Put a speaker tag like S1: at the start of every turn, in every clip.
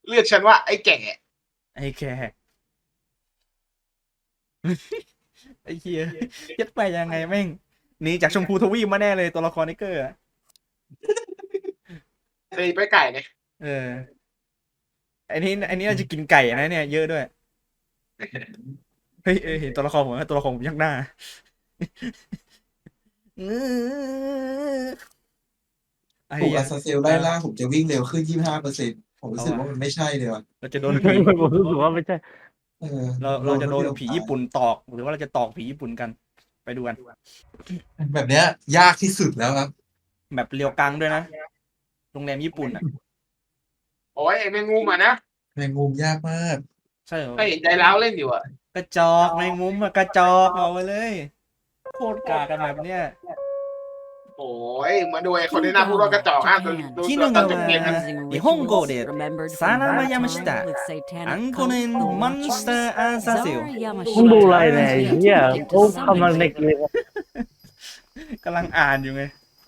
S1: เรียกฉันว่าไอ้แก่
S2: ไอ้แค่ไอ้เฮียยัดไปยังไงแม่งหนีจากชมพูทวีปมาแน่เลยตัวละครนิกเกอร์อะ
S1: เคยไปไก่เนี่ย
S2: เออไอ้นี่น่าจะกินไก่นะเนี่ยเยอะด้วยเฮ้ยเห็นตัวละครผมไหมตัวละครผมยักหน้าไอ้
S3: ถูก
S2: เหี้ย
S3: อาซาเซลไล่ล่าผมจะวิ่งเร็วขึ้น 25%ผมรู้สึกว่ามันไม่ใช่เลยว่ะ
S2: เราจะโดน
S4: ผม
S2: ผี
S4: รู้สึกว่าไม่ใช่
S3: เออ
S2: เราจะโดน
S3: รวดเร็ว
S2: ผีญี่ปุ่นตอกหรือว่าเราจะตอกผีญี่ปุ่นกัน ไปดูกัน
S3: แบบเนี้ยยากที่สุดแล้วครับ
S2: แบบเรียวกังด้วยนะโรงแรมญี่ปุ่นอ่ะ
S1: โอ้ยไอ้แมงมุมอ่ะนะ
S3: แมงมุมยากมาก
S2: ใช่เหรอ
S1: ก็เห็นใจร้าวเล่นอยู่อ่ะ
S2: กระจอกแมงมุมอะกระจอกเอาไปเลยโคตรกากันแบบเนี้ย
S1: โอ้ยมาดูไอ้คนที่น่าพูดว่ากระจอกดู
S2: ที่หนึ่ง
S1: ตอน
S2: อะ
S1: จบเกมนะ
S2: 日本語でさらば山下あんこねんモンスターアンサセよ
S4: มึงดูอะไรเนี่ยไอ้เหี้ยเขากำลังในเกม
S2: กำลังอ่านอยู่ไง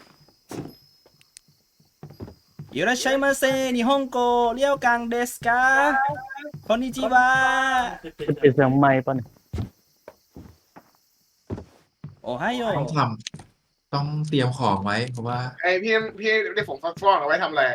S2: いらっしゃいませ日本語了解ですかこんにちは
S4: เป็นเสียงไม้ปะเนี่ย
S2: โอไฮโอ
S3: ต้องทำต้องเตรียมของไว้ เพราะว่า
S1: ไอ้พี่ได้ผงฟักฟองเอาไว้ทำอะไร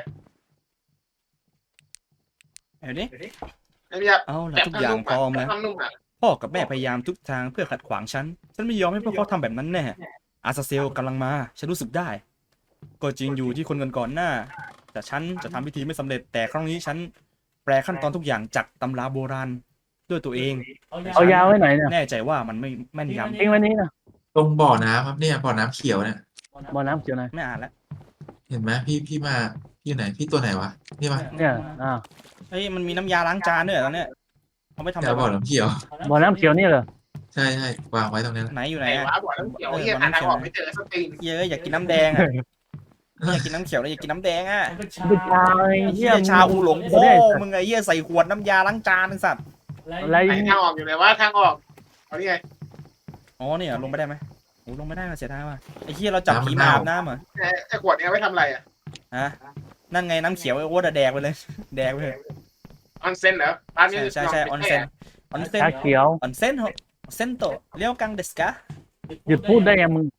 S2: เดี๋ยวนี้
S1: ไอ้พี่ครับ
S2: เอาละทุกอย่างพร้อมแล้ว
S1: ทำนุ่มอ่ะ
S2: พ่อกับแม่พยายามทุกทางเพื่อขัดขวางฉันไม่ยอมให้พวกเขาทำแบบนั้นแน่อาซาเซลกำลังมาฉันรู้สึกได้ ก็จริงอยู่ที่คนก่อนหน้า แต่ฉันจะทำพิธีไม่สำเร็จแต่ครั้งนี้ฉันแปลขั้นตอนทุกอย่างจากตำราโบราณด้วยตัวเอง
S4: เอายาไว้ไหนเนี่ย
S2: แน่ใจว่ามันไม่แม่นยำ
S4: เองวันนี้นะ
S3: ตรงบ่อน้ำครับเนี่ยบ่อน้ำเขียวเนี่ย
S4: บ่อน้ำเขียวไหน
S2: ไม่อ่านแล้ว
S3: เห็นไหมพี่มาพี่ไหนพี่ตัวไหนวะนี่มา
S4: เนี่ยอ่า
S2: เฮ้ยมันมีน้ำยาล้างจานด้วยเหรอตอนเนี้ยเอาไปทำอะ
S3: แถ
S2: ไร
S3: วบ่อน้ำเขียว
S4: บ่อน้ำเขียวนี่เหรอ
S3: ใช่ใช่วางไว้ตรงนี้แหละ
S2: ไหนอยู่ไหน
S1: ไอ้
S2: อะ
S1: ว้าบอกแล้วเดี๋ยวเฮียทางออกไม่เจอสตรีน
S2: เยอะอยากกินน้ำแดงอะอยากกินน้ำเขียวเลยอยากกินน้ำแดงอะ
S4: เป็นชาไอ้
S2: ไอ้
S4: เหี้
S2: เหี้
S4: ย
S2: ยชาอูหลงพ่อมึงไอ้เหี้ยใส่ขวดน้ำยาล้างจานไอ้สัตว์
S4: อะไร
S1: ไอ้ทางออกอยู่ไหนวะทางออกเอานี่ไง
S2: อ๋อเนี่ยลงไปได้ไหมโอ้ลงไม่ได้มาเสียดายว่ะไอ้เหี้ยเราจับผีมาอาบน้ำเหรอ
S1: ไอ้ขวดนี้เอาไว้ทำอะไรอ่ะ
S2: ฮะนั่นไงน้ำเขียวไอ้โอ๊ตอะแดกไปเลย แดกไปเลย
S1: ออนเซ็นเหรอร้านนี้
S2: ใช่ออนเซนออนเซน
S4: ชาเขียว
S2: ออนเซนเหรอเซนโตเลี้ยวกังเดสกะ
S4: หยุดพูดได้ไงมึง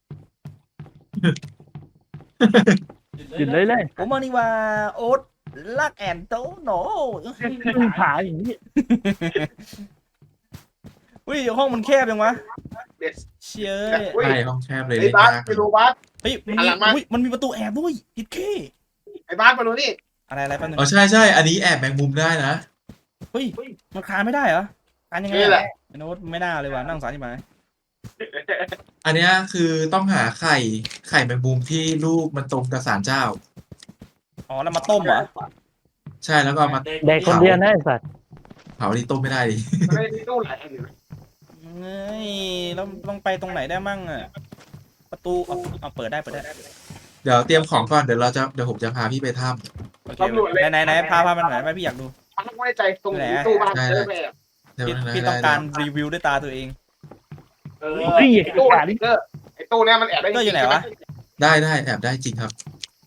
S4: หยุดเลยเลย
S2: ผมมานี่ว่าโอ๊ตลักแอนโตโน
S4: มึงขาอย่างนี้
S2: อุ้ยห้องมันแคบยังวะ
S1: เด็ด
S2: เชี่ย
S1: อุ้ย
S3: ใช่ห้องแคบเลย
S1: ไอ้
S3: เล่น
S1: บาส
S3: ยาก
S1: ไปดูบาส
S2: เฮ้ยมัน
S1: หัน
S2: มี
S1: หลังมา
S2: อุ้ยมันมีประตูแอบด้วยยิดเค
S1: ไอ้บาสมาดูนี่
S2: อะไรแป๊บนึง
S3: อ๋อใช่อันนี้แอบแมงมุมได้นะ
S2: เฮ้ยมันคลานไม่ได้เหรอคลานยังไง
S1: นี่แหละ
S2: ไอ้โน้ตไม่น่าเลยว่ะนั่าสงสารที่ไหน
S3: อันเนี้ยคือต้องหาไข่แมงมุมที่ลูกมันตรงกับศาลเจ้า
S2: อ๋อแล้วมาต้มเหรอ
S3: ใช่แล้วก็เอามา
S4: แดกคนเดียวนะไอ้สัตว์
S3: เผาที่ต้มไม่ได้ดิ
S1: มันไม่ได้ตู้หลายอันอยู่
S2: เฮ้ยแล้วต้องไปตรงไหนได้มั่งอะประตูเอาเปิดได้
S3: เดี๋ยวเตรียมของก่อนเดี๋ยวผมจะพาพี่ไปถ้
S2: โอเคไหนพามันไหนไปพี่อยากดู
S1: มันไม่ใจตรงตู้บ้านเจอไปอ่ะ
S3: ำเดี๋ยว
S2: พี่ต้องการรีวิวด้วยตาตัวเอง
S4: เฮ้ย
S1: ตู้
S4: ขาดิ
S1: ไอ้ตู้เนี้ยมันแอบได้
S2: ก็อยู่ไหนวะ
S3: ได้แอบได้จริงครับ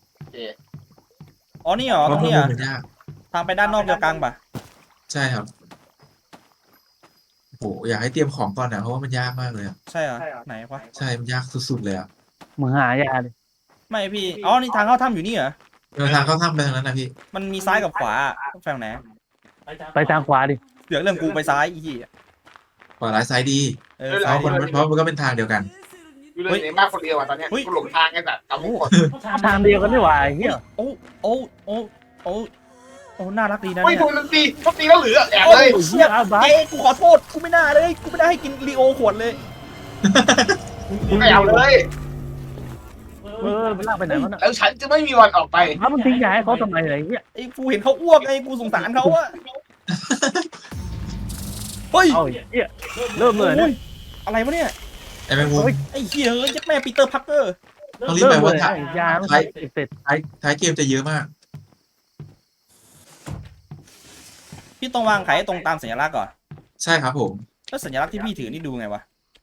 S2: อ๋อนี่เหรอ
S3: เพ
S2: ตร
S3: ราะ
S2: ง
S3: ข้อ
S2: นี้
S3: มู
S2: เหร
S3: ล
S2: อ
S3: มันยาก
S2: ทางไปด้านนอกเดียวกลางปะ
S3: ใช่ครับโหอยากให้เตรียมของก่อนนะเพราะว่ามันยากมากเลยอะ
S2: ใช่เหรอไหนวะ
S3: ใช่มันยากสุดๆเลยอ่ะ
S4: มึงหายาดิ
S2: ไม่พี่อ๋อนี่ทางเข้าถ้ำอยู่นี่เหรอ
S3: เดินทางเข้าถ้ำไปทางนั้นนะพี่
S2: มันมีซ้ายกับขวาแฝงไหน
S4: ไปทางขวาดิ
S2: เดี๋ยวเรื่องกูไปซ้ายอีกที
S3: ขวาร้ายซ้ายดี
S2: ซ้าย
S3: เพราะมันก็เป็นทางเดียวกัน
S1: อยู่เลยในบ้านคนเดียวอ่ะตอนเนี้ยกูหลงทางไอ้สัตว์เอาไม่หมด
S4: ทางเดียวกันนี่หว่าไอ้เหี้ย
S2: โอ้น่ารักดีนะ
S1: เฮ้ย
S2: เนี่ย
S1: ดูมันตีเขาตีแล้วเหลือแอบ
S2: โอ้
S1: เลย
S2: เชี่ย
S4: เอาบ้า
S2: เอ้กูขอโทษกูไม่น่าเลยกูไม่ได้ให้กินลีโอขวดเลย
S1: ไม่เอาเลย
S4: มันลากไปไหนวะน่ะ
S1: แล้วฉันจะไม่มีวันออกไป
S4: ถ้ามันทิ้งยาให้เขาทำไมอะไรเงี้ย
S2: ไอ้กูเห็นเขาอ้วกไอ้กูสงสารเขาอะเฮ้ย
S4: เอาไอ้เหี้ยเริ่มเลยนะ
S2: โอ้อะไรวะเนี่ย
S3: ไอ้แมงมุม
S2: ไอ้เหี้ยเอ้ยยัดแม่ปีเตอร์พักเกอร์
S3: ต้องรีบไปว่า
S4: ไอ้ยาต้องใช้เสร็จ
S3: ท้ายเกมจะเยอะมาก
S2: พี่ต้องวางไข่ให้ตรงตามสัญลักษณ์ก่อน
S3: ใช่ครับผม
S2: แล้วสัญลักษณ์ที่พี่ถือนี่ดูไงวะ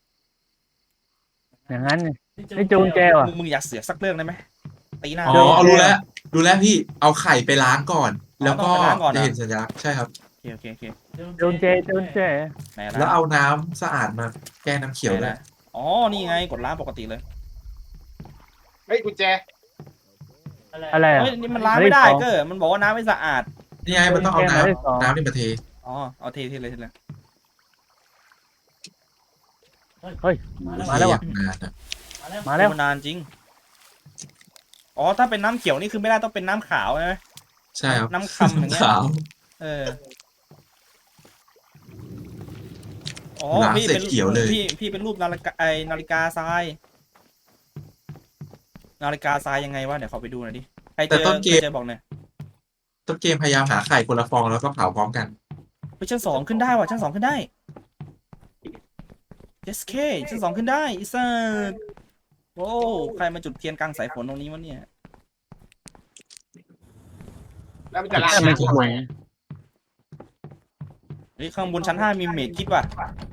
S4: อย่างนั้นไงไม่จูงแจว่ะ
S2: มึงอยากเสือกสักเรื่องได้ไหมตีหน้า
S3: อ๋อเอารู้แล้วพี่เอาไข่ไปล้างก่อนแล้วก็
S2: ต้องไปล้างก่อนเหรอ
S3: จะเห็นสัญลักษณ์ใช่ครับ
S2: โอเคโอเค
S4: โดนเจโดนเจ
S2: ไหน
S3: แล้ว
S2: นะ
S3: เอาน้ำสะอาดมาแก้น้ำเขียว
S2: ไหน
S3: ด้วย
S2: นะอ๋อนี่ไงกดล้างปกติเลย
S1: เฮ้ยกุญแจ
S4: อะไรอ่ะ
S2: เฮ้ยนี่มันล้างไม่ได้เก็มันบอกว่าน้ำไม่สะอาด
S3: นี่ไงมันต้องเอา
S4: แก้มาได้สอง
S3: น้ำนี่มาเท
S2: อ๋อเอาเทเลย
S4: เฮ้ยมาแล้วว่ะ
S3: เทอย่างนานอะ
S4: มาแล้ว
S2: นานจริงอ๋อถ้าเป็นน้ำเขียวนี่คือไม่ได้ต้องเป็นน้ำขาวใช่ไหม
S3: ใช่ครับ
S2: น้ำคำอย่างเงี้ย
S3: ขาว
S2: เอออ๋อ
S3: ล้าง
S2: พี่
S3: เสร็
S2: เป็
S3: จ
S2: น
S3: เขียวเลย
S2: พี่เป็นรูปนาฬิกาทรายนาฬิกาทรายยังไงวะเดี๋ยวขอไปดูหน่อยดิใครเจ
S3: แต่
S2: อ
S3: ต้นเก
S2: ใคร
S3: ม
S2: เจอบอกหน่อย
S3: ต้นเกมพยายามหาไข่คนละฟองแล้วก็เผาพร้อมกัน
S2: ไปชั้น 2ขึ้นได้ว่ะชั้น 2ขึ้นได้ SK ชั้น 2ขึ้นได้อีสัสโอ้ใครมาจุดเทียนกลางสายฝนตรงนี้วะเนี่ย
S1: แล้วมันจะล้าง
S4: ทำไม
S1: น้ำ
S4: กู
S1: ก่อน
S4: ง
S1: ไหม
S4: ง
S2: เฮ้ยข้างบนชั้น 5มีเมดคิดว่ะ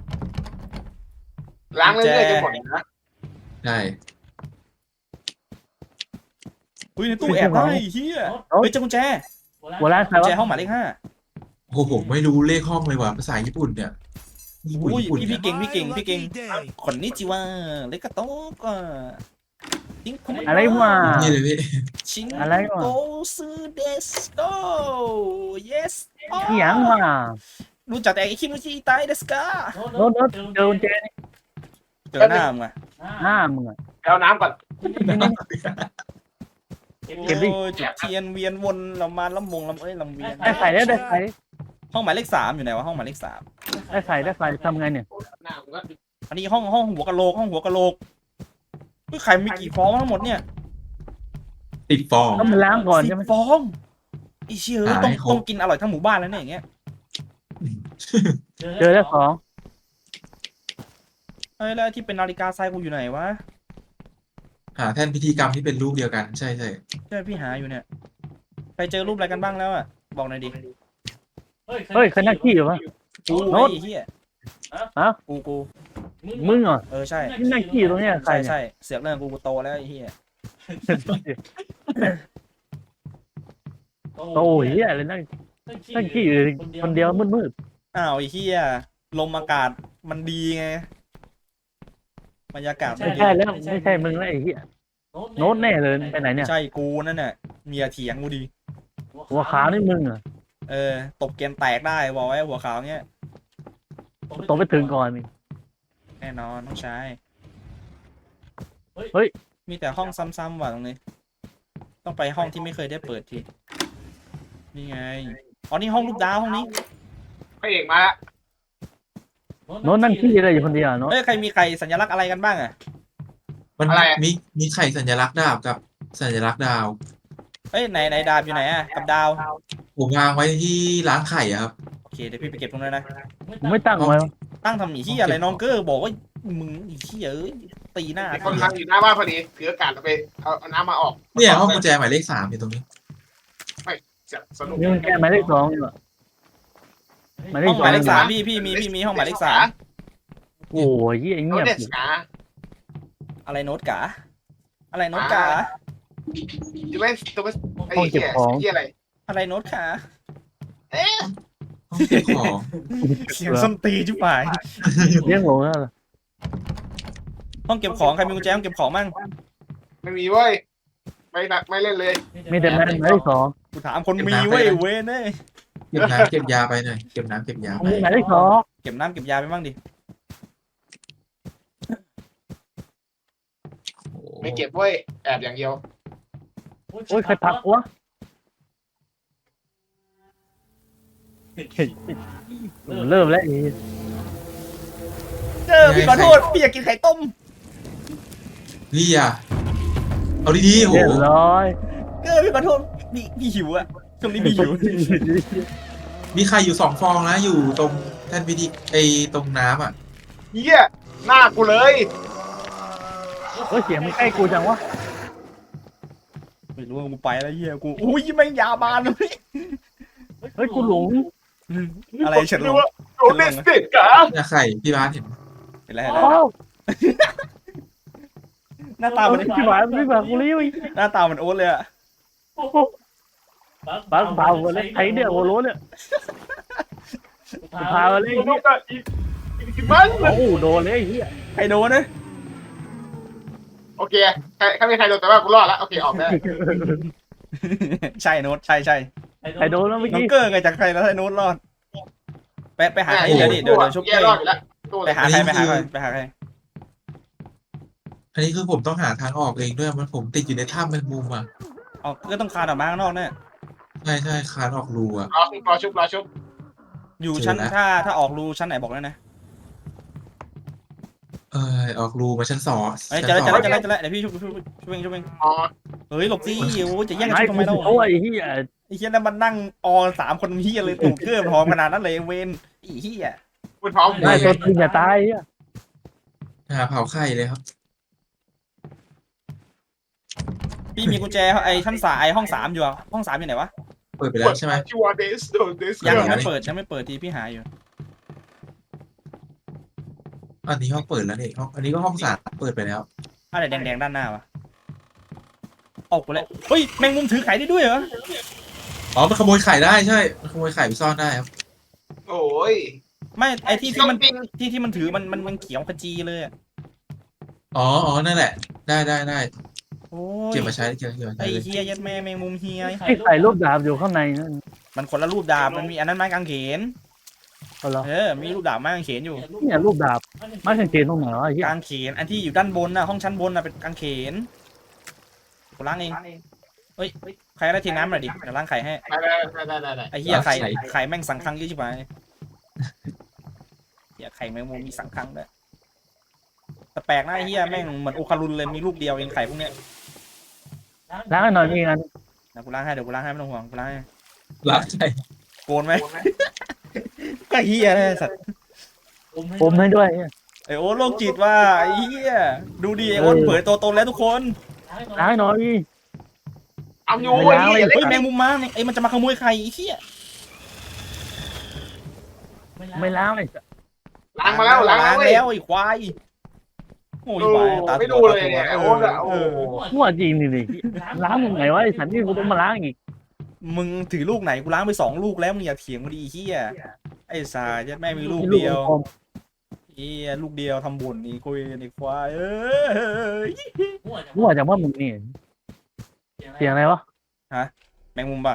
S1: ล้างเรื่อยๆจนหมดนะ
S3: ใช่
S2: อุ้ยในตู้แอบได้เฮียเฮ้ยเจอกุญแจ
S4: หัวร้านใคร
S2: กุญ
S4: วะ
S2: แจห้องหมายเลข 5
S3: โอ้โหผมไม่รู้เลขห้องเลยว่ะภาษาญี่ปุ่นเนี่ยญี่ปุ่น
S2: อุ้ย
S3: ญี่ปุ่น
S2: พี่
S3: เนี่ย
S2: เก่งคนนี้จิวะเลกาโตะก็ทิ้งคุณ
S4: อะไรวะ
S3: นี่เลยพี่
S2: ชิง
S4: อะไรวะ
S2: โกซูเดสโก yes
S4: เหียงว่ะ
S2: รู้จักแต่ไอคิมุจิไตเดสกา
S4: โน้ตโน้ตเจอกุญแจนี่
S2: เจอหน้ามึงอะ
S4: หน้ามึงอ่ะ
S1: เอาน้ำก่อน
S4: เก็บดิ
S2: โอ้ยจุดเทียนเวียนวนเรามาลำวงลำเอ้ยลำเวียน
S4: ได้ไข่แล้วได้ไข่
S2: ห้องหมายเลข 3อยู่ไหนวะห้องหมายเลข 3
S4: ได้ไข่ได้ไข่ทำไงเนี่ย
S1: น้ำก็
S2: อันนี้ห้องหัวกะโหลกห้องหัวกะโหลกเฮ้ยไข่มีกี่ฟองทั้งหมดเนี่ย
S3: ติดฟอง
S4: ต้องมาล้างก่อนใช่ไหม
S2: 10 ฟองอีเชี่ย
S3: หา
S2: ต้อง
S3: ให้ครบ
S2: ต้องกินอร่อยทั้งหมู่บ้านแล้วเนี่ยอย่างเงี้ย
S4: เจอแล้ว2
S2: เฮ้ยแล้วที่เป็นนาฬิกาทรายกูอยู่ไหนวะ
S3: หาแท่นพิธีกรรมที่เป็นรูปเดียวกันใช่ใช่
S2: ใช่พี่หาอยู่เนี่ยใครเจอรูปอะไรกันบ้างแล้วอะบอกหน่อยดิ
S4: เฮ้ยใครนั่งขี้อยู่วะ
S2: กู
S4: โน้ต
S2: ไอ้เหี้ย
S4: ฮะ
S2: กู
S4: มึงเหรอ
S2: ใช่
S4: นี่นั่งขี้อยู่ตรงเนี้ยใคร
S2: ใช่
S4: เนี่ย
S2: ใช่เสือกเรื่องกูโตแล้วไอ้เหี้ย
S4: โอ้ยเฮียอะไรนั่งขี้อยู่คนเดียวมืด
S2: อ้าวไอ้เหี้ยลมอากาศมันดีไงบรรยากาศ
S4: ๆ
S2: มัน
S4: ไม่
S2: ดี
S4: ใช่แล้วไม่ใช่มึงแล้วไอ้เฮียโน้ตแน่เลยไปไหนเนี่ย
S2: ใช่กูนั่นน่ะเมียเถียงกูดี
S4: หัวขาวนี่มึงเหรอ
S2: ตบเกมแตกได้บอกไว้หัวขาวเงี้ย
S4: ตกไปถึงก่อนนี่
S2: แน่นอนต้องใช้
S4: เฮ้ย
S2: มีแต่ห้องซ้ำๆว่ะตรงนี้ ต้องไปห้องที่ไม่เคยได้เปิดทีนี่ไงอ๋อนี่ห้องลูกดาวห้องนี้
S1: พระเอกมาละ
S4: โน้ตนั่งขี้อะไรอยู่คนเดียวโน้ต
S2: เอ้ยใครมีใครสัญลักษณ์อะไรกันบ้างอะ
S3: มันมีไข่สัญลักษณ์ดาบกับสัญลักษณ์ดาว
S2: เอ้ยไหนดาบอยู่ไหนอะกับดาว
S3: ผมวางไว้ที่ร้านไข่อะครับ
S2: โอเคเดี๋ยวพี่ไปเก็บตรงนั้นนะ
S4: มึงไม่ตั้งไว้วะ
S2: ตั้งทำหนีที่อะไรน้องเกอร์บอกว่ามึงอีที่เอ้ยตีหน้า
S1: มีคนนั่งอยู่หน้าบ้านพอดีถืออากาศไปเอาน้ำมาออก
S3: เนี่ยห้องกุญแจหมายเลข 3อยู่ตรงนี้
S1: จะสนุก
S4: นี่มันแค่หมายเลข2อยู่อะหมายเล
S2: ห้
S4: ข
S2: องหมายเลข
S4: 2
S2: 3พี่มีห้องหมายเลข 3
S4: โอ้ยเหี้ย
S1: โน้
S4: เงียบ
S1: เดสกา
S2: อะไรโน้ตกาอะไรโน้ตกา
S1: จะไม่ตัวไม่ไอ้เหี้ยเหี้ยอะไร
S2: อะไรโน้ตขา
S3: ห้องเก็บของ
S2: เสียงส้นตีจุ๊บาย
S4: เลี้ยงหลงแล้วเหรอ
S2: ห้องเก็บของใครมีกุญแจห้องเก็บของมั่ง
S1: ไม่มีเว้ยไม่เล่นเลย
S4: มีแต่หมายเลข2
S2: กูถามคนมีเว้ยเว้ยเน่
S3: เก็บน้ำเก็บยาไปหน่อยเก็บน้ำเก็บยาไป
S4: มีหมายเลข2
S2: เก็บน้ำเก็บยาไปบ้างดิ
S1: ไม่เก็บเว้ยแอบอย่างเดียว
S4: โอ้ยใครพักวะเริ่มแล้วไอ้
S2: พี่ขอโทษพี่อยากกินไข่ต้ม
S3: นี่อ่ะเอาดีๆโห
S4: เรียบร้อย
S2: พี่ขอโทษพี่หิวอะช่วงนี้พี่หิว
S3: มีไข่อยู่2 ฟองนะอยู่ตรงแท่นพิธีตรงน้ำอ่ะ
S1: เหี้ยหน้ากูเลย
S4: เฮ้ยเสียงมันใกล้กูจังวะ
S2: ไม่รู้ว่ากูไปแล้วเฮียกูอุ้ยแม่งยาบานเลย
S4: เฮ้ยกูหลง
S2: อะไรเฉินลง
S1: โดนเดสเตกา
S3: เนี่ยไข่พี่บ้านเห็น
S2: เห็นแล้ว
S4: อ้าว
S2: หน้าตามัน
S4: ชิบหายไม่บอกกูเลย
S2: หน้าตามันโอ๊ตเลยอะ
S4: ปาเปล่าเลยไอ้เนี่ยโอ้โหเนี่ยพามาเลย
S1: ลูกก็อีกมัน
S4: โอ้โหโดนเลยไอ้เหี้ย
S2: ใครโดนนะ
S1: โอเคใครไม่ใครโดนแต่ว่ากูรอดแล้วโอเคออกได้
S2: ใช่โน้ตใช่ใช่
S4: ไอ้โดนแล้วเมื่อ
S2: น้อง
S4: กี้
S2: เกอร์ไงจากใครแล้วให้โน้ตรอดไปหาใครเดี๋ยวดิเดี๋ยวชุบ
S1: แย่
S2: เกอ
S1: รอด
S2: ร์
S1: อยู่แล้วตู้
S2: ไปหาใครไปหาใครไปหาใคร
S3: อันนี้คือผมต้องหาทางออกเองด้วยมันผมติดอยู่ในถ้ำแมงมุมอ่ะ
S2: ออกก็ต้องคานออกมาข้างนอกเนี่ย
S3: ใช่คานออกรูอ่ะ
S1: รอชุบ
S2: อยู่ชั้น
S3: เจอแล้ว
S2: ถ้าออกรูชั้นไหนบอกแล้วนะ
S3: ออกรูมาชั้นสอง
S2: เอ้ย
S3: ชั้น
S2: จะ
S3: ส
S2: แล้ว
S3: อง
S2: จะแล้วจะแล้วเดี๋ยวพี่ชุบเอง
S1: อ๋อ
S2: เฮ้ยหลบสิโอ้ยจะแย่งกัน
S4: ไอ้
S2: ชุบทำไม
S4: กู
S2: เล่า
S4: โอ้ยไอ้เหี้ย
S2: ไอ้เฮียนั่นมันนั่งออ3 คนเฮียเลยตูดเกอร์หอมขนาดนั้นเลยเวนไอ้เฮีย
S1: คุณพร้อม
S4: ไม่ตัวจริงอย่าตายไอ้เหี้ย
S3: หาเผาไข่เลยครับ
S2: พี่มีกุญแจไอ้ชั้นห้อง3อยู่อะห้อง3อยู่ไหนวะ
S3: เปิดไปแล้วใช่ไหม
S1: ชัวร์เดสโดนเดส
S2: ยัง
S3: เดี๋ยว
S2: ไม่เปิดยังไม่เปิดทีพี่หาอยู่
S3: อันนี้ห้องเปิดแล้วนี่ห้องอันนี้ก็ห้องสามเปิดไปแล้ว
S2: อะไรแดงๆด้านหน้าวะออกไปเลยเฮ้ยแมงมุมถือไข่ได้ด้วยเหรอ
S3: อ๋อมันขโมยไข่ได้ใช่มันขโมยไข่ไปซ่อนได้ครับ
S1: โอ้ย
S2: ไม่ไอ้ที่มัน
S1: ปิง
S2: ที่มันถือมันเขียวขจีเลยอะ
S3: อ๋อนั่นแหละ ได้
S2: โอ้ย
S3: เก็บมาใช้เก็บมาใช้
S2: ไอ้
S3: เลย
S2: เฮียยัดแม่แมงมุมเฮีย
S4: ไอ้ใส่รูปดาบอยู่ข้างในนั่น
S2: มันคนละรูปดาบมันมีอันนั้นไม้กางเขน
S4: เอาเหรอ
S2: มีรูปดาบไม้กางเขนอยู่
S4: เนี่ยรูปดาบไม่สังเกตตรงไหนวะไอ้เหี้ย
S2: กางเขนอันที่อยู่ด้านบนน่ะห้องชั้นบนน่ะเป็นกางเขนกูล้างเองเฮ้ยใครได้ทีน้ำหน่อยดิเดี๋ยวล้างไข่ให้
S1: ได้
S2: ไอ้เหี้ยไข่แม่งสังคังเยอะชิบหายเหี้ยไข่แมงมุมมีสังคังด้วยแต่แปลกนะไอ้เหี้ยแม่งเหมือนโอคารุนเลยมีลูกเดียวเองไข่พวกเนี้ย
S4: ล้างให้หน่อยมีงาน
S2: เดี๋ยวกูล้างให้ไม่ต้องห่วงกูล้างให้
S3: รักใจ
S2: โกนไหมก็เหี้ยเลยสัตว์
S4: ผมให้ด้วยเนี่ย
S2: ไอโอ๊ตโรคจิตว่าไอ้เหี้ยดูดิไอโอ๊ตเผยตัวตนแล้วทุกคน
S4: ล้างให้หน่อย
S1: เอาอยู่
S4: ไม่ล้างเลย
S2: เฮ้ยแมงมุมมาเนี่ยไอ้มันจะมาขโมยไข่ไอ้เหี้ย
S4: ไม่ล้างเลย
S1: ล้างมาแล้วล้างแล้ว
S2: แล้วไอ้ควายโอ้ยควายตา
S1: ไม่ดูเลยเนี่ยโอ้ยโอ้
S4: มั่วจริงดิล้างตรงไหนวะไอ้สันนี่กูต้องมาล้างอีก
S2: มึงถือลูกไหนกูล้างไป2 ลูกแล้วมึงอย่าเถียงมาดิไอ้เหี้ยไอ้สายยัดแม่มีลูกเดียว
S4: กลม
S2: เหี้ยลูกเดียวทำบุญนี่คุยไอ้ควายย
S4: มั่วจากว่ามึงนี่เสียงอะไรวะ
S2: แมงมุมป่ะ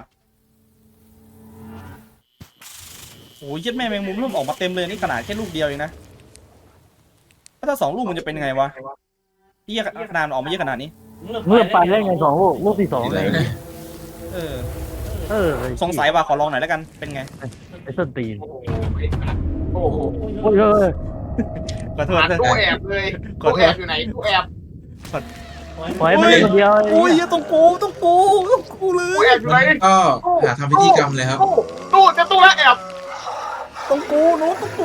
S2: โอ้ยยัดแม่แมงมุมเริ่มออกมาเต็มเลยนี่ขนาดแค่ลูกเดียวเองนะถ้า2 ลูกมันจะเป็นยังไงวะเหี้ยขนาดมันออกมาเยอะขนาดนี้
S4: เมื่อไปได้ไง2 ลูกที่2
S3: อะ
S4: เล
S3: ไร
S4: ย
S3: นะ
S2: เออ
S4: เออ
S2: สงสัยว่าขอลองหน่อยแล้วกันเป็นไง
S4: ไอ้ส้นตีน
S1: โห
S4: โอ้ย
S2: ขอโทษนะ
S1: ตู้แอบเลยตู้แอบอยู่ไหนตู้แอบ
S4: ปล่อยมันเล่นคนเดียว
S2: โอ้ยต้องกูเล
S1: ตู้
S2: ย
S1: แอบอยู่ไหน
S3: ก็หาทำพิธีกรรมเลยครับ
S1: ตู้จะตู้แล้วแอบ
S2: ต้องกูโน้ตต้องกู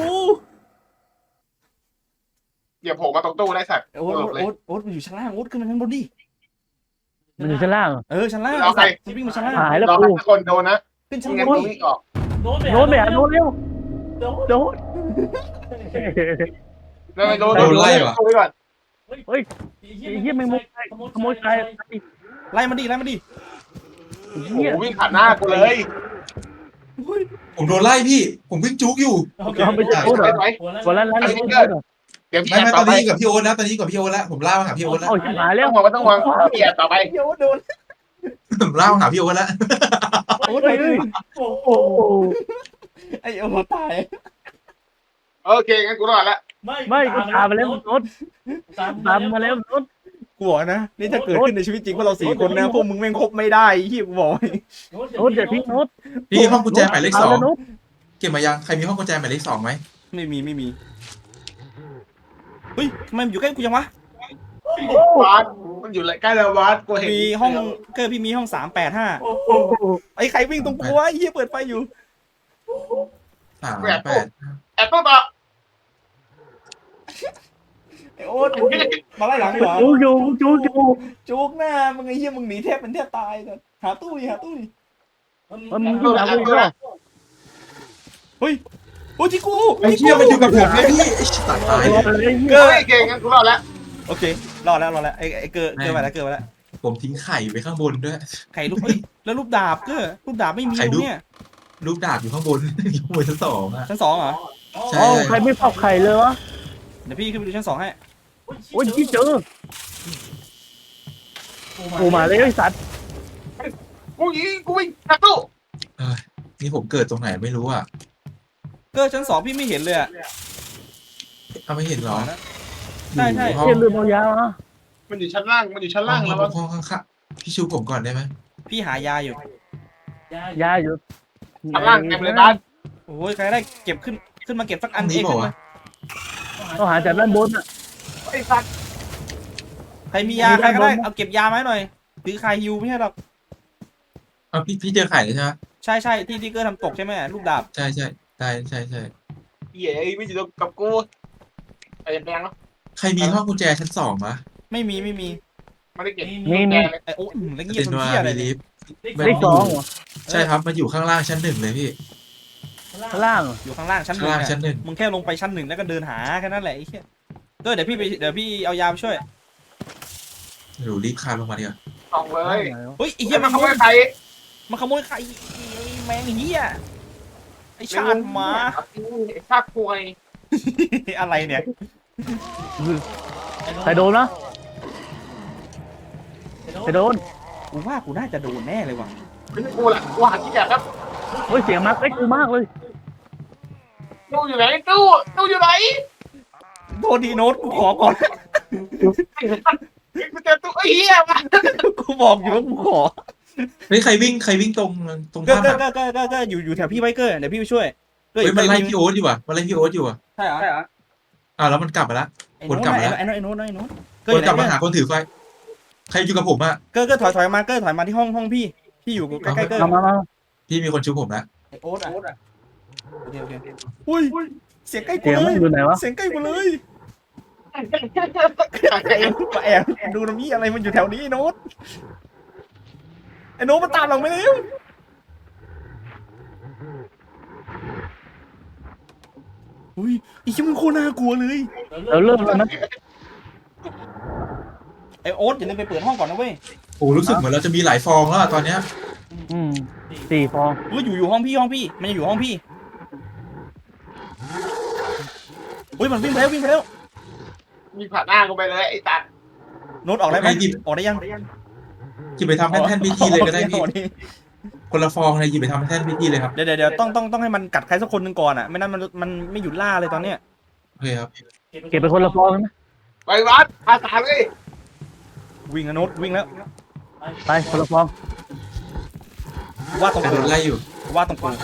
S1: เดี๋ยวผมมาตรงตู้ได้สัตว์
S2: โอ๊ตมันอยู่ชั้นล่างโอ๊ตขึ้นมาชั้นบนดิ
S4: มันอยู่ชั้นล่าง
S2: ชั้นล่างมันวิ่งมาชั้นล่าง
S4: หายแล้ว
S1: รอ
S4: กู
S1: ให้คนโดนนะ
S2: ขึ้นชั้น
S1: ไม่งั้น
S2: บน
S1: ตู้วิ่งออก
S4: โน้ตไปหาโน้ตเร็วโน้ต
S1: ไม่โดนตู้ไว้ก่อน
S4: เฮ้ยไอ้เหี้ยแมงมุมขโมยใคร
S2: ไล่มาดิ
S1: โอ้
S4: เหี้ย
S1: โหวิ่งผ่านหน้ากูเลย
S3: ผมโดนไล่พี่ ผมวิ่งจุกอยู่
S4: เราไปจับโน้ตเหรอ
S1: ไว้
S4: คนละร้าน
S1: เดี๋ยวพี่
S3: ไม่
S1: แอบ
S3: ต
S1: ต่
S3: อ
S1: อน ไป
S3: นี้กับพี่โอ๊ตแล้วตอนนี้กับพี่โอ๊ตแล้วผมล่ามาหาพี่โอ๊ตแล้ว
S4: โอ้ยชิบหายแล้
S1: ต้
S4: ว
S1: องห่วงพี่แอบต่อไป
S2: โอ๊ตโดน
S3: ผมล่ามาหาพี่โอ๊ตแล้ว
S2: โอ๊ต
S4: เฮ้ย
S2: เลย
S4: โอ้โห
S2: ไอ้โอ๊ตตาย
S1: โอเคงั้นกูรอดละ
S4: ไม่กูตามมาแล้วโน้ตตามมาแล้วโน้ต
S2: กูบอกนะนี่ถ้าเกิดขึ้นในชีวิตจริงพวกเรา4 คนนะพวกมึงแม่งคบไม่ได้ที่กูบอก
S4: โน้ตอย่าทิ้งโน้ต
S3: พี่ห้องกุญแจหมายเลข
S4: โน้ต
S3: 2เก็บมายังใครมีห้องกุญแจหมายเลข2ไหม
S2: ไม่มีเฮ้ยทำไมมันอยู่ใกล้กูจังวะ
S1: วัดมันอยู่ใกล้แล้ววัดกูเห็น
S2: มีห้องเกิดพี่มีห้อง385ไอ้ใครวิ่งตรงกูวะไอ้เหี้ยเปิดไฟอยู่
S3: 38
S1: แอบตู้ต่อ
S2: ไอ้โอ๊ตมาไล่หลังเหรอ
S4: จูอยู่
S2: จุกหน้ามึงไอ้เหี้ยมึงหนีแทบเป็นแทบตายเลยหาตู้ดิ
S4: มันอยู่หลังกูด้วย
S2: เฮ้ยโอ้ยที่กู
S3: ไอ้เชี่ยมันอยู่กับผมเลยพี่ไอ้ตัดตายเลย
S2: เกิ
S1: เฮ้ยเก่งงั้นกูรอดแล้ว
S2: โอเครอดแล้วไอ้เกิดมาแล้ว
S3: ผมทิ้งไข่ไว้ข้างบนด้วย
S2: ไข่ลูกเฮ้ยแล้วรูปดาบก็รูปดาบไม่มี
S3: ไข่
S2: ตร
S3: รู
S2: ง
S3: ป
S2: เนี้ย
S3: รูปดาบอยู่ข้างบน อยู่ข้างบนชั้นสองอ่ะ
S2: ชั้นสองเหรอ
S3: ใช่
S4: เอ้าใครไม่เผาไข่เลยวะ
S2: เดี๋ยวพี่ขึ้นไปดูชั้นสองให้
S4: โอ้ยที่เจอกูมาเลยไอ้สัตว์
S1: กูยิงกูวิ่งกระตู้
S3: เอ้ยนี่ผมเกิดตรงไหนไม่รู้อ่ะ
S2: ก็ชั้นสองพี่ไม่เห็นเลยอะ
S3: เอาไม่เห็นเหรอ
S2: ใช่ใช่
S3: อยู่ห้อง
S4: เชี่ยลืมเอายามา
S1: มันอยู่ชั้นล่างมันอยู่ชั้นล่าง
S3: ห้
S1: แล้ว
S3: องข้างๆพี่ชูผมก่อนได้ไหม
S2: พี่หายาอยู่
S4: ยาอยู่
S1: ชั้นล่างเต็มเลยบ้าน
S2: โอ้ยใครได้เก็บขึ้นมาเก็บสักอัน
S3: อันนี้
S2: เอง
S3: บอ
S2: ขึ้
S3: ก
S2: น
S3: ว่า
S2: มา
S4: ต้องหาจากด้านบนอ่ะ
S1: ไอ้สัตว์
S2: ใครมียา
S4: มี
S2: ใครก็ได้
S4: ด้านบน
S2: เอาเก็บยามาให้หน่อยถือคายฮิวไม่ใช่หรอก
S3: เอาพี่เจอไข่แล้วใช่ไหม
S2: ใช่ใช่ที่ที่เกอร์ทำตกใช่ไหมลูกดาบ
S3: ใช่ใช่ใช่
S1: เหี้ยไอ้ไม่อยู่กับกูไอ้แดงเนาะ
S3: ใครมีห้องกุญแจชั้นสองมะ
S2: ไม่มี
S1: ไม่ได้เก็บ
S4: มี
S1: แดงเลย
S2: ไอ้โอ้ยแล้วเงีย
S3: เป็
S2: บ
S3: น
S2: เป็น
S3: ว่า
S2: เที่ยอะไร
S3: มี
S2: เนี่ย
S3: ลิฟต์
S4: เลขสองเหรอ
S3: ใช่ครับมันอยู่ข้างล่างชั้นหนึ่งเลยพี่
S4: ข้างล่างเหรอ
S2: อยู่ข้างล่างชั้นห
S3: ข้าง
S2: นึ่ง
S3: ล่าง
S2: อะ
S3: ชั้นหนึ่ง
S2: มึงแค่ลงไปชั้นหนึ่งแล้วก็เดินหาแค่นั้นแหละไอ้เหี้ยก็เดี๋ยวพี่เอายาไปช่วย
S3: หนูรีบคานลงมาดีกว่า
S1: สองเลย
S2: เฮ้ยไอ้
S1: เหี้
S2: เหี้
S1: ย
S2: ย
S1: มันขโมยใคร
S2: มันขโมยไข่ไอ้แมงเหี้ยไอ้ชาติหมา
S1: ไอ้ชาติควย
S2: อะไรเนี่ย
S4: ใครโดนนะใครโดน
S2: กูว่ากูน่าจะโดนแน่เลยว่ะ
S1: ไม่ใช่กูแหละกูหาที่แอบครับ
S4: เฮ้ยเสียงมาใกล้กูมากเลย
S1: ตู้อยู่ไหนตู้อยู่ไหน
S2: โทษดีโน้ตกูขอก่อน
S1: กูเจอตู้ไอ้เหี้ยมา
S2: กูบอกอยู่ว่ากูขอ
S3: เฮ้ยใครวิ่งตรง
S2: ก็
S3: ถ้ำอะ
S2: ก็อยู่แถวพี่ไบเกอร์เดี๋ยวพี่ไปช่วยก็
S3: เฮ้ยมันไล่พี่โอ๊ตอยู่ว่ะมันไล่พี่โอ๊ตอยู่ว่ะ
S2: ใช่เหรอ
S3: แล้วมันกลับมาละ
S2: ไอ้
S3: วน
S2: โน้ต
S3: กลับมาแล้ว
S2: ไอ้โน้ตไอ้โน้ตก็
S3: วนกลับมา
S2: ไหน
S3: หาคนถือไฟใครอยู่กับผมอะ
S2: ก็ถอยมาถอยมาที่ห้องพี่อยู่ใกล้ๆเกอร์
S4: มา
S3: พี่มีคนชูผมละ
S2: ไอ้โอ๊ตอ่ะโอเคอุ้ยเสียงใกล้กู
S4: เสียง
S2: เล
S4: มัน
S2: ย
S4: อยู่ไหนวะ
S2: เสียงใกล้กูเลยมาแอบดูนะมีอะไรมันอยู่แถวนี้ไอ้โน้ตมันตามเราไม่เร็วอุ้ยไอ้ชิมันโคตรน่ากลัวเลย
S4: เราเริ่มแล้วนะ
S2: ไอ้โอ๊ตอย่าลืมไปเปิดห้องก่อนนะเว้ย
S3: โอ้รู้สึกเหมือนเราจะมีหลายฟองแล้วอะตอนเนี้ย
S4: 4 ฟอง
S2: อยู่ห้องพี่มันจะอยู่ห้องพี่อุ้ยมันวิ่งไปแล้ว
S1: มีผ่านหน้ากูไปเลยไอ้ตัด
S2: โน้ตออกได้ไหมออกได้ยัง
S3: หยิบไปทำแท่นพิธีเลยก็ได้พี่คนละฟองเลยหยิบไปทำแท่นพิธีเลยครับ
S2: เดี๋ยวต้องให้มันกัดใครสักคนหนึ่งก่อนอ่ะไม่นั้นมันไม่หยุดล่าเลยตอนเนี้ย
S3: โอเคครับ
S4: เก็บไปคนละฟองนะ
S1: ไปวัดพาสามเลย
S2: วิ่งนะโน้ตวิ่งแล้ว
S4: ไปคนละฟอง
S2: ว่าตรง
S3: ใคร
S2: กู
S3: โดนไล่อยู่
S2: ว่าตรงกู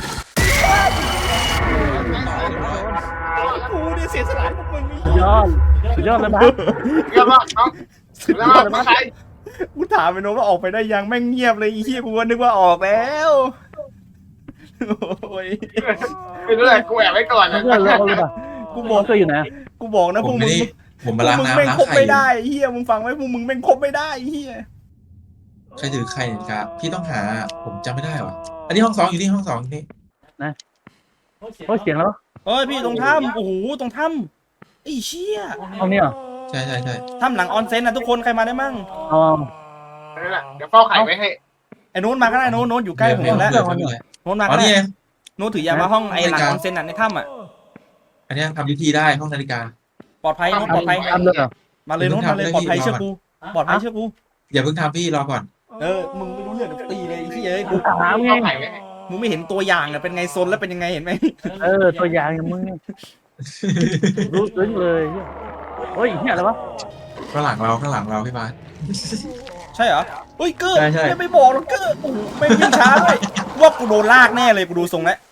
S2: กูเนี่ยเสียสละพวกมึง
S4: สุดยอดเลยบ้า
S1: เรียบร้อยน้องแล้วมาใคร
S2: กูถามไปโน้ตว่าออกไปได้ยังแม่งเงียบเลยอีเหี้ยกูก็นึกว่าออกแล้วโอ้ย
S1: ไม่รู้เลยกูแอบไว้ก่อนนะ
S4: เพื่อนเราเลยป่ะ
S2: กูบอก
S4: เพื่อนอยู่ไหน
S2: กูบอกนะ
S3: ผ
S2: พว
S3: ม
S2: ก
S3: ไม่
S2: มึง
S3: ได้ผมมาล้าง
S2: แม่ง
S3: น้ำล้าง
S2: คบ
S3: ไข่
S2: ไม่ได้เฮียมึงฟังไว้พวกมึงแม่งคบไม่ได้เฮีย
S3: ใครถือไข่ครับพี่ต้องหาผมจำไม่ได้ว่ะอันนี้ห้องสองอยู่นี่ห้องสองอยู่นี่
S4: โอ้ยเสียงแล้ว
S2: เอ้ยพี่ตรงถ้ำโอ้โหตรงถ้ำไอ้เชี่ย
S4: ห้องนี้เหรอ
S3: ใช่
S2: ถ้ำหลังออนเซ็นนะทุกคนใครมาได้มั่ง
S4: เอา
S1: นั่นแหละเดี๋ยวเฝ้าไข่ไว้ให้
S2: ไอ้โน้ตมาก็ได้โน้ตอยู่ใกล้ผมแล้ว
S3: เผื่อไม่เป็นไร
S2: โน้ตมา
S3: อ๋อ
S2: ก็ได้
S3: นี่ไง
S2: โน้ตถือยามาห้องไอ้หลังออนเซ็นในถ้ำอ่ะ
S3: อันนี้ทำพิธีได้ห้องนาฬิกา
S2: ปลอดภัยโน้ตปลอดภัย
S4: ทำเลยเหรอ
S2: มาเลยโน้ตมาเลยปลอดภัยเชื่อกูปลอดภัยเชื่อกู
S3: อย่าเพิ่งทำพี่รอก่อน
S2: มึงไม่รู้เรื่องตีเลยไอ้เหี้ยกู
S4: ถามไง
S1: เฝ้าไข่ไว้ให้
S2: มึงไม่เห็นตัวอย่างอะเป็นไงซนแล้วเป็นยังไงเห็นไหม
S4: ตัวอย่างอย่างมึงรู้ซึ้งเลยโอ้ยเหี้ยอะไรวะ
S3: ข้างหลังเราพี่บาส
S2: ใช่เหรอเฮ้ยเกอร์
S3: ใช่
S2: ไม่บอกหรอกเกอร์โอ้โหไม่วิ่งช้าด้วยว่ากูโดนลากแน่เลยกูดูทรงแล้ว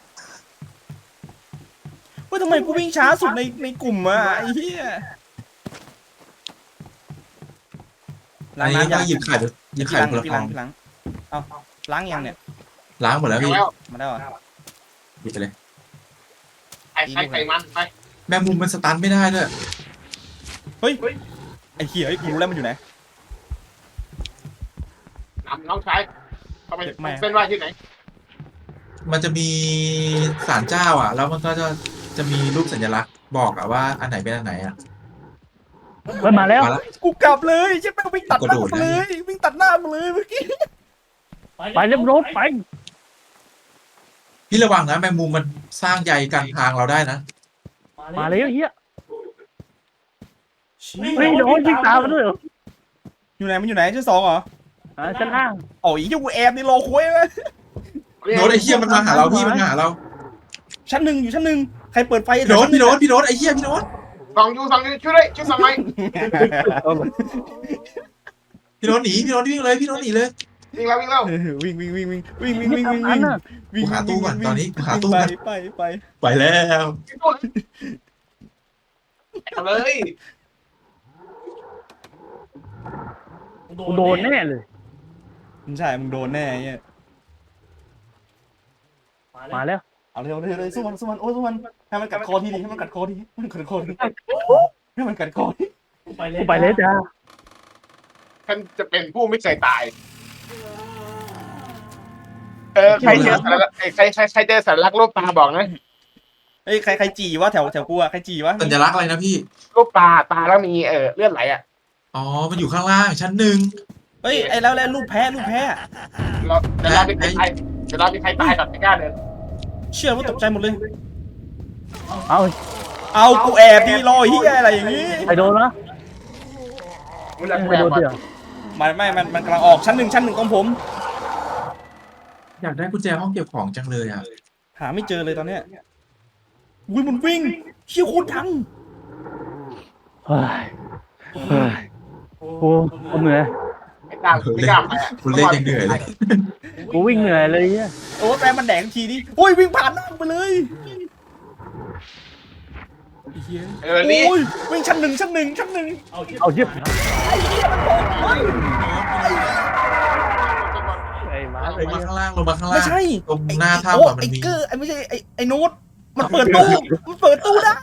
S2: ว่าทำไมกูวิ่งช้าสุดในกลุ่มอะไอ้เหี้ย
S3: อันนี้ต้องหยิบไข่คนละ
S2: พี่
S3: ฟ
S2: ล้า
S3: อง ง
S2: พี่ล้างเอาล้างยังเนี่ย
S3: ล้างหมดแล้วพี่
S1: แล้ว
S2: มาได้เหรอ
S3: หยิบไปเลย
S1: ไข่มันไป
S3: แมงมุมมันสตันไม่ได้ด้วย
S2: เฮ้ยไอ้เหี้ยไอ้กูรู้แล้วมันอยู่ไหน
S1: น้องชายเขาไปเป็นว่าที่ไหน
S3: มันจะมีศาลเจ้าอ่ะ แล้วมันก็จะมีรูปสัญลักษณ์บอกอ่ะว่าอันไหนเป็นอันไหนอ่ะ
S4: เฮ้ยมาแล้ว
S3: มาแล้ว
S2: กูกลับเลยใช่ไหมวิ่งตัดหน้ากูเลยวิ่งตัดหน้ากูเลยเมื่อกี้
S4: ไปเรียบรถไป
S3: พี่ระวังนะแมงมุมมันสร้างใยกลางทางเราได้นะ
S4: มาเลยเฮียเฮ้ยโดนยิงตามมาด้วยเหรอ
S2: อยู่ไหนมันอยู่ไหนชั้น2เหรอ
S4: ชั้นล่าง
S2: อ๋ออีเหี้ยกูแอบนี่รอคุยไหม
S3: โน้ตไอ้เหี้ยมันมาหาเราพี่มันมาหาเรา
S2: ชั้น 1อยู่ชั้น 1ใครเปิดไฟ
S3: พี่โน้ตไอ้เหี้ยพี่โน้ต
S1: สองยูช่วยด้วยช่วยสองไหม
S3: พี่โน้ตหนีพี่โน้ตวิ่งเลยพี่โน้ตหนีเลย
S1: วิ่งแล้ววิ่งแล้ว
S2: วิ่ง
S4: อันน่ะ
S3: กูหาตู้ก่อนตอนนี้กูหาตู้ก่อน
S2: ไป
S3: ไปแล้ว
S1: เอาเลย
S4: กูโดนแน่เลย
S2: ใช่มึงโดนแน่เนี่ย
S4: มาแล้ว
S2: เอาเลยสู้มันโอ้สู้มันให้มันกัดคอทีดิให้มันกัดคอทีให้มันกัดคอทีให้มันกัดคอที
S4: กูไปเลยจ้า
S1: ฉันจะเป็นผู้ไม่เคยตายใครเจอสารลักษณ์ใครเจอสารลักษณ์รูปปลาบอกนะ
S2: เอ้ยใครจีวะแถวกูอะใครจีวะ
S3: สัญลักษณ์อะไรนะพี่
S1: รูปปลาตาแล้วมีเลือดไหลอ่ะ
S3: อ๋อมันอยู่ข้างล่างชั้นหนึ่ง
S2: เฮ้ยไอ้แล้วรูปแพ้
S1: เดี๋ยวเรามีใครตายก่อนไม่กล้าเดิน
S2: เชื่อว่าตกใจหมดเลย
S4: เอา
S2: เอากูแอบดีรอเฮียอะไรอย่างงี้
S4: ไปโดนนะ
S1: มึงจะ
S4: ไปโดนเดี๋ยว
S2: มันกำลังออกชั้นหนึ่งของผม
S3: อยากได้กุญแจห้องเก็บของจังเลยอ่ะ
S2: หาไม่เจอเลยตอนเนี้ยวิ่งมันวิ่งเชี่ยโคตรดัง
S4: เฮ้ยกูเหนื่อย
S1: ไม่กล้าไปอ่ะ
S3: คุณเล่นยังเหนื่อยเลย
S4: กูวิ่งเหนื่อยเลยเฮีย
S2: โอ้แปรมันแดงทีนี้โอ้ยวิ่งผ่านหน้าไปเลยเฮีย
S1: นี่
S2: โอ้ยวิ่งชั้นหนึ่ง
S4: เอาเยียบไอ้หมา
S3: ลงมาข้างล่างลงมาข้างล่าง
S2: ไม่ใช่
S3: ตรงหน้า
S2: โอ้
S3: ถ้ำอะมัน
S2: ไอ้
S3: มี
S2: เกอร์ไอ้ไม่ใช่ไอ้โน้ตมันเปิดตู้ได้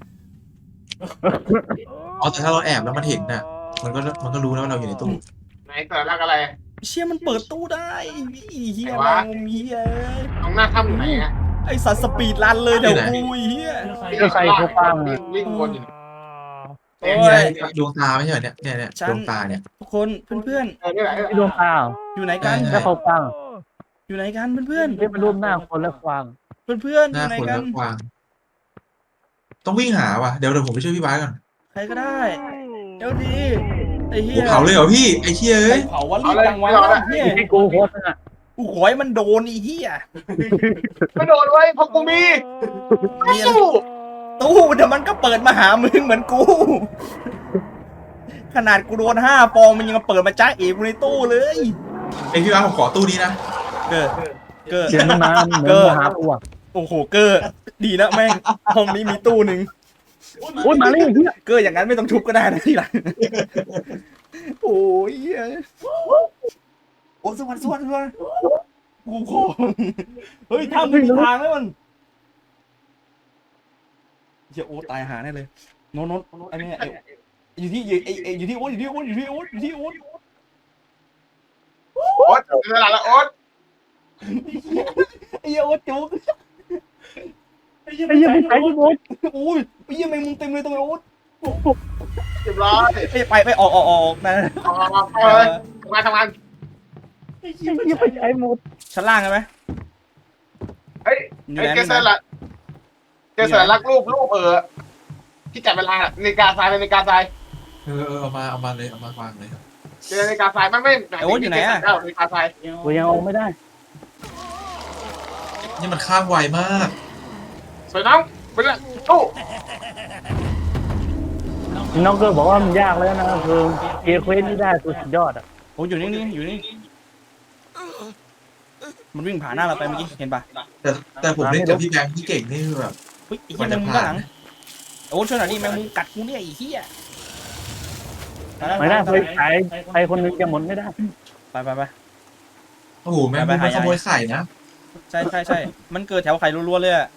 S3: อ๋อแต่ถ้าเราแอบแล้วมันเห็นน่ะ มันก็รู้แล้วว่าเราอยู่ในตู้
S1: ไหนสารลักษณ์อะไร
S2: เชี่ยมันเปิดตู้ได้เฮีย
S1: ไหนวะ
S2: แมงเฮีย
S1: ตรงหน้าถ้ำอยู่ไหนอ่ะ
S2: ไอสัตว์สปีดรันเลยเดี๋ยวกูเฮีย
S1: วิ่งวนอยู่
S2: โอ้
S3: นี่ไง
S2: ย
S3: ดวงตาไม่ใช่เหรอเนี่ย
S2: ฉัน
S3: ดวงตาเนี่ย
S2: ทุกคนเพื่อน
S1: นี่แหละ
S4: ไอ้ดวงตา
S2: ๆอยู่ไหนกัน
S3: ใช่
S4: แล้วเขาฟัง
S2: อยู่ไหนกันเพื่อน
S4: เรียกเป็นรูปหน้าคนแล้วฟัง
S2: ๆเพื่อนๆอ
S3: หน้า
S2: ยู่ไหน
S3: คน
S2: กั
S3: แล้
S2: น
S3: วกวาง ต้องวิ่งหาว่ะเดี๋ยวผมไปช่วยพี่บาสก่อน
S2: ใครก็ได้เดี๋ยวดีไอ้เฮี
S3: โอ้
S2: ย
S3: เผาเลยเหรอพี่ไอ้เชี่ย
S2: ใคร
S3: เอ้ย
S2: เผาวะรีบจังวะเฮีย
S4: ที่กูโคตรน่ะ
S2: กูขอให้มันโดนไอ้เฮีย
S1: ไม่โดนไว้เพราะกูมี
S2: เนี่ยตู้เดี๋ยวมันก็เปิดมาหามึงเหมือนกู ขนาดกูโดน5 ฟองมันยังมาเปิดมาจ้าเอ๋กูในตู้เลย
S3: ไอพี่บาสผมขอตู้นี้นะ
S2: เกิด
S4: เสียงมันมาเหมือนมาหากูอ่ะ
S2: โอ้โหเกอร์ดีนะแม่งห้องนี้มีตู้หนึ่ง
S4: โอ้ยมาเลยเฮีย
S2: เกอร์อย่างนั้นไม่ต้องทุบก็ได้นะทีหลังโอ้ยเหี้ยโอ้สวรรค์กูขอเฮ้ยถ้าไม่มีทางแล้วมันเฮียโอ๊ตตายหาแน่เลยโน้ตไอ้เนี่ยอยู่ที่อยู่ที่โอ๊ต
S1: โอ๊ตเวลาละโอ๊ต
S2: ไอ้เหี้ยโอ๊ตจุก
S4: ไอ้เหี้ยไม่ใช่ที่โคตร
S2: โอ้ยไอ้เหี้ยแมงมุมเต็มเลยตรงไอ้โอ๊ต
S1: เรียบร้อย
S2: ไปออกนะ
S1: เอาเลยทำงาน
S4: ไอ้เหี้ยไม่ใช่หมด
S2: ชั้นล่างใช่ไหม
S1: เฮ้ยเจอสารลักษณ์รูปที่จับเวลาในกาทรายเป็นในกาทราย
S3: เอามาเลยเอามาวางเลย
S1: เจอในกาทรายไม่ในกาทราย
S4: กูยังเอาไม่ได้
S3: นี่มันข้ามไวมาก
S1: สวยน้องเป็นตู้
S4: น้องเกอร์บอกว่ามันยากแล้วนะคือเกียร์เควสนี่ได้สุดยอดอ่ะ
S2: โอ้อยู่นี่มันวิ่งผ่านหน้าเราไปเมื่อกี้เห็นปะ
S3: แต่ผมเล่นกับพี่แบงค์ที่เก่งนี่คือแบบ
S2: เฮ้ยไอ้เหี้ยแมงมุมด้านหลังโอ้ช่วยหน่อยดิแมงมุมกัดกูเนี่ยไอ้เหี้ย
S4: ไม่ได้ไปใครคนนึงจะหมดไม่ได้
S2: ไป
S3: โอ้โหแม่งมันขโมยไข่นะ
S2: ใช่มันเกิดแถวไข่รัวๆเลยอะ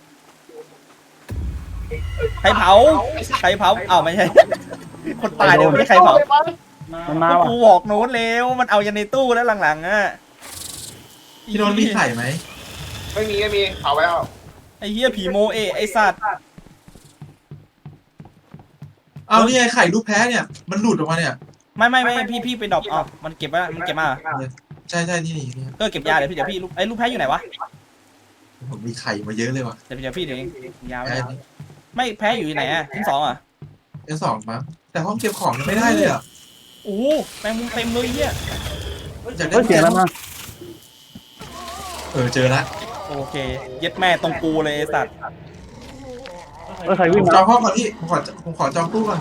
S2: ใครเผาอ้าวไม่ใช่ คนตายเดี๋ยวไม่ใช่ใครเผา
S4: มันมาว่ะ
S2: กูบอกโน้ตแล้วมันเอายันในตู้แล้วหลังๆอ่ะ
S3: พี่โดนมีไข่ไหม
S1: ไม่มีเผาไว้แล้ว
S2: ไอ้เหี้ยผีโมไอ้สัตว์
S3: เอานี่ไงไข่ลูกแพ้เนี่ยมันหลุดออกมาเนี่ย
S2: ไม่พี่ไปดรอปอ๋อมันเก็บไว้มันเก็บมา
S3: ใช่นี่นี่
S2: ก็เก็บยาเดี๋ยวพี่ลูกลูกแพ้อยู่ไหนวะ
S3: ผมมีไข่มาเยอะเลยว่ะ
S2: เดี๋ยวพี่เดี๋ยวเองยาไว้
S3: แพ้
S2: ไม่แพ้อยู่ที่ไหนอ่ะชั้น 2อ่ะ
S3: ชั้น2มั้งแต่ห้องเก็บของยังไม่ได้เลยอ่ะ
S2: โอ้แมงมุมเต็มเลยเหี้ย
S3: อยากได้
S4: เฮ้ยเสียงแล้วนะ
S3: เจอละ
S2: โอเคเย็ดแม่ตรงกูเลยไอ้สัตว์
S4: เฮ้ยใคร
S3: ผ
S4: วิ่ง
S3: ม
S4: มา
S3: จองห้องก่อนพี่ผมขอจองตู้ก่อน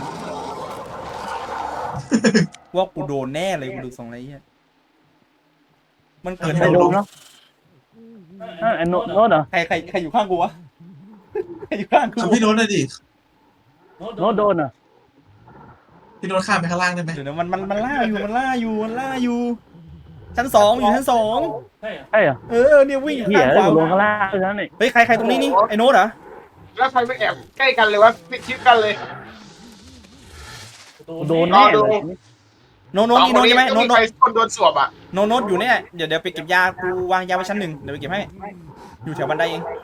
S2: ว่ากูโดนแน่เลยกูดูทรงอะไรเงี้ยมันเกิด
S4: ใครโดนเนาะไอ้โน้ตเหรอ
S2: ใครอยู่ข้างกูวะใครอยู่ข้างกู
S3: ทำพี่โน้ตหน่อยดิ
S4: โน้ตโดนเหรอ
S3: พี่โน้ตข้ามไปข้างล่างได้ไหม
S2: เดี๋ยวนะมันล่าอยู่ชั้น 2อยู่ชั้น 2
S4: ใช่เหรอ
S2: เนี่ยวิ่ง
S4: เหี้ย
S2: ข้างข
S4: แล้ว
S2: วา
S4: กูลงข้างล่างด้วยนะนี่
S2: เฮ้ยใครตรงนี้นี่ไอ้โน้ตเหรอ
S1: แล้วใครไม่แอบใกล้กันเลยวะปิดชิดกันเลย
S4: กูโดนแน่เลย
S2: โน้ตนี่โน้ตใช่ไหม
S1: ต้
S2: โน้
S1: อง
S2: ต
S1: มีใครคนโดนสวบอ่ะ
S2: โน้ตอยู่เนี่ยเดี๋ยวไปเก็บยากูวางยาไว้ชั้น 1เดี๋ยวไปเก็บให้อยู่แถวบันไดเอง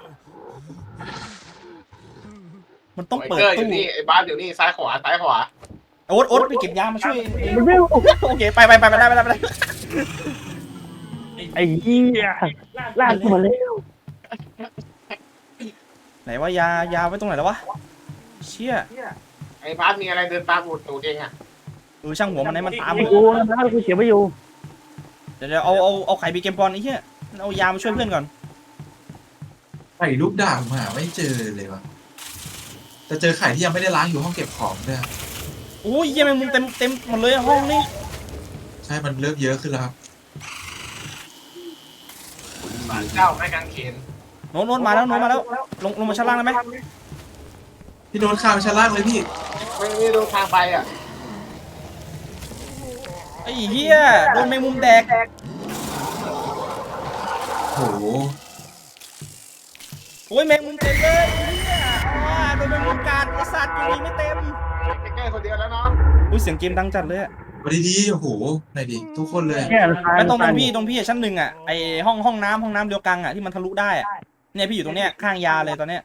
S2: มันต้องเปิด
S1: ไอ้เกอร์อ
S2: ตู้
S1: ยู่นี่ไอ้บ้านอยู่นี่ซ้ายขวา
S2: โอ๊ตไปเก็บยามาช่วย
S4: มันไม่
S2: โอเคไปได้
S4: ไอ้เหี้ยลากกูมาแล้ว
S2: ไหนว่ายาไว้ตรงไหนแล้ววะเชี่ย
S1: ไอ้บ้านมีอะไรเดินตามหนูเองอ่ะ
S2: ช่างหัวมันให้มันตาม
S4: ไอ้กูนะกูเก็บไว้อยู่
S2: เดี๋ยวเอาไข่บีเกมบอลไอ้เหี้ยเอายามาช่วยเพื่อนก่อน
S3: ไข่ลูกด่างมาไม่เจอเลยวะแต่เจอไข่ที่ยังไม่ได้ล้างอยู่ห้องเก็บของด้วย
S2: โอ้ยเยี่ยแมงมุมเต็มหมดเลยห้องนี่
S3: ใช่มันเริ่มเยอะขึ้นแล้วครับ
S1: บ้านเจ้าไม้กางเขน
S2: โน้ตมาแล้วลงมาชั้นล่างได้ไหม
S3: พี่โน้ตข้ามไปชั้นล่างเลยพี่
S1: ไม่ดูทางไปอ่ะ
S2: ไอ้เหี้ยโดนแมงมุมแดก
S3: โห
S2: โอ้ยแมงมุมเต็มเลยเหี้ยโดนแมงมุมกัดไอ้สัตว์อยู่ดีไม่เต็ม
S1: แก้คนเดียวแล้วเนาะ
S2: อุ้ยเสียงเกมดังจัดเลยอะ
S3: มาดีๆโอ้โหไหนดิทุกคนเลย
S4: เนี่ยตาย
S2: ไม่ตรงพี่ชั้น 1อ่ะไอห้องน้ำเดียวกันอ่ะที่มันทะลุได้อ่ะเนี่ยพี่อยู่ตรงเนี้ยข้างยาเลยตอนเนี้ย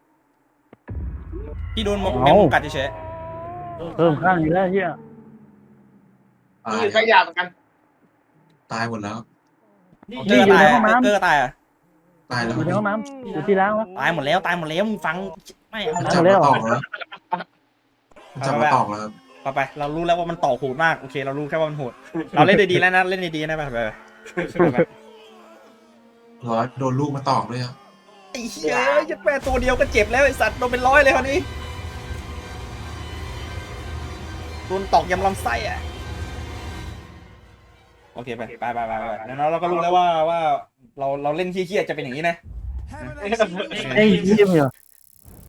S2: พี่โดนแมงมุมกัดเฉย
S4: เพิ่มข้างอยู่แล้วเหี้ย
S3: ตาย
S1: มีใครอยากเหมือนกัน
S3: ตายหมดแล้ว
S2: ๆเกอร์ตายเกอร์ตายอ่ะ
S3: ตายแล้ว
S4: อยู่ในห้องน้ำอยู่ที่ล้างวะ
S2: ตายหมดแล้วมึงฟังไม่
S3: มันจับมาตอกแล้วมันจับมาตอกแล้วครับ
S2: ไปเรารู้แล้วว่ามันต่อโหดมากโอเคเรารู้แค่ว่ามันโหดเราเล่นดีๆแล้วนะเล่นดีๆนะไป
S3: ร้อยโดนลูกมาตอกด้วยครับ
S2: ไอ้เหี้ยยัดแม่ตัวเดียวก็เจ็บแล้วไอ้สัตว์โดนเป็น100เลยคราวนี้โดนตอกยำลำไส้อ่ะโอเคไปแล้วเราก็รู้แล้วว่าเราเล่นเหี้ยๆจะเป็นอย่างนี้นะ
S4: ไอ้เหี้ยเหรอ